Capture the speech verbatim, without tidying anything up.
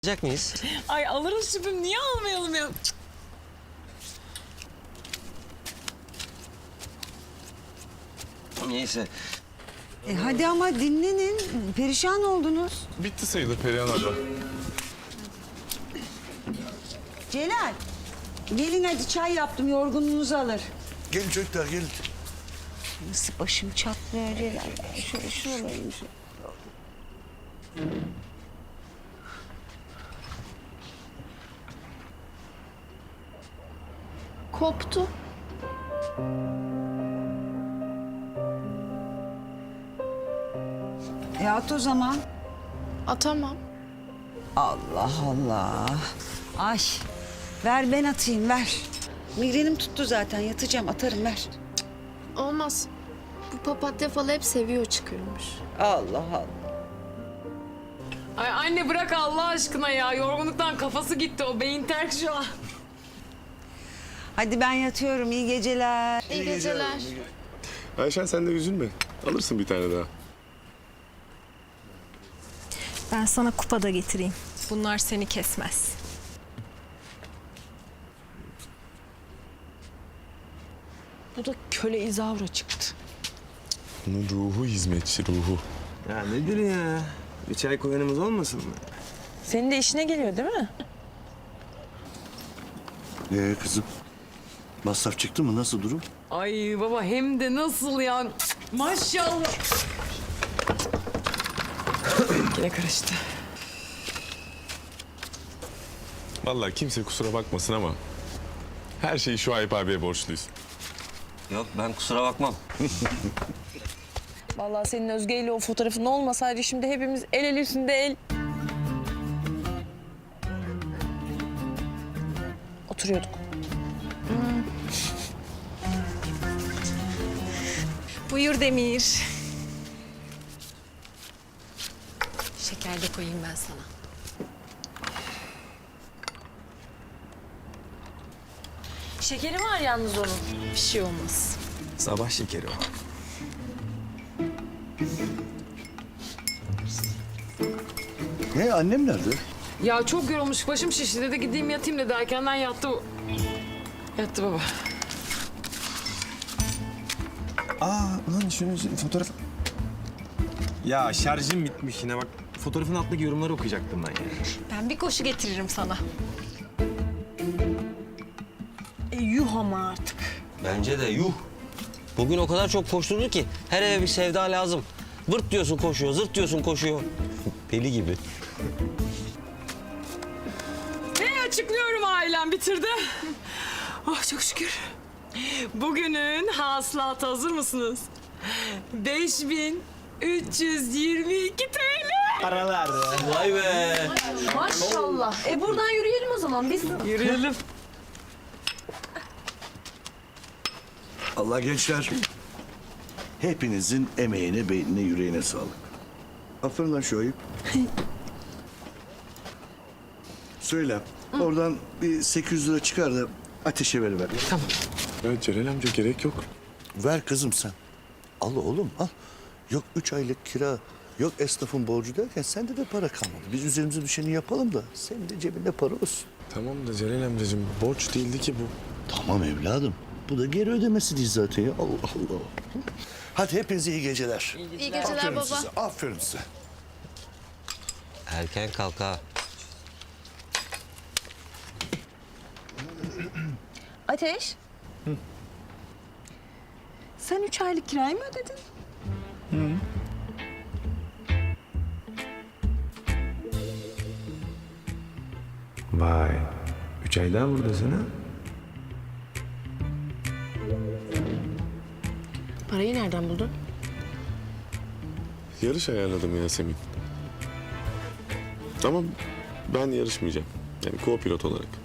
Alacak mıyız? Ay alırız şüphem, niye almayalım ya? Neyse. E hadi ama dinlenin. Perişan oldunuz. Bitti sayılır Perihan abla. Celal. Gelin hadi çay yaptım. Yorgunluğunuzu alır. Gelin çocuklar gelin. Nasıl başım çatlıyor Celal. Şöyle şuralarım. Koptu. E at o zaman. Atamam. Allah Allah. Ay. Ver ben atayım ver. Migrenim tuttu zaten. Yatacağım atarım ver. Olmaz. Bu papatya falı hep seviyor çıkıyormuş. Allah Allah. Ay anne bırak Allah aşkına ya. Yorgunluktan kafası gitti, o beyin terk şu an. Hadi ben yatıyorum. İyi geceler. İyi geceler. Ayşen sen de üzülme. Alırsın bir tane daha. Ben sana kupa da getireyim. Bunlar seni kesmez. Bu da köle izavra çıktı. Bunun ruhu hizmetçi ruhu. Ya nedir ya? Bir çay koyanımız olmasın mı? Senin de işine geliyor değil mi? Ee kızım masraf çıktı mı nasıl durum? Ay baba hem de nasıl ya? Maşallah. Yine karıştı. Vallahi kimse kusura bakmasın ama her şeyi şu Ayıp abiye borçluyuz. Yok ben kusura bakmam. Vallahi senin Özge ile o fotoğrafın olmasaydı şimdi hepimiz el el üstünde el... oturuyorduk. Buyur Demir. Şeker de koyayım ben sana. Şekeri var yalnız onun. Bir şey olmaz. Sabah şekeri o. Ne annem nerede? Ya çok yorulmuş, başım şişti dedi, gideyim yatayım dedi. Erkenden yattı. Yattı baba. Aa ulan şunun fotoğraf... Ya şarjım bitmiş yine bak. Fotoğrafın altındaki yorumları okuyacaktım ben ya. Ben bir koşu getiririm sana. E yuh ama artık. Bence de yuh. Bugün o kadar çok koşturdu ki her eve bir sevda lazım. Vırt diyorsun koşuyor, zırt diyorsun koşuyor. Peli gibi. Ne açıklıyorum, ailem bitirdi. Oh çok şükür. Bugünün hasılatı hazır mısınız? beş bin üç yüz yirmi iki T L. Vay be. Maşallah. E buradan yürüyelim o zaman biz. Yürüyelim. Allah gençler. Hepinizin emeğine, beynine, yüreğine sağlık. Aferin lan şu Ayıp. Söyle. Oradan bir sekiz yüz lira çıkar da ateşe veriver. Tamam. Ya Celal amca gerek yok. Ver kızım sen. Al oğlum al. Yok üç aylık kira, yok esnafın borcu derken sende de para kalmadı. Biz üzerimize düşeni yapalım da senin de cebinde para olsun. Tamam da Celal amcacığım borç değildi ki bu. Tamam evladım. Bu da geri ödemesi değil zaten ya. Allah Allah. Hadi hepinize iyi geceler. İyi geceler Aferin baba. size. Aferin size. Erken kalk ha. Ateş. Sen üç aylık kirayı mı ödedin? Vay, üç ay daha buradasın ha? Parayı nereden buldun? Yarış ayarladım Yasemin. Ama ben yarışmayacağım. Yani co-pilot olarak.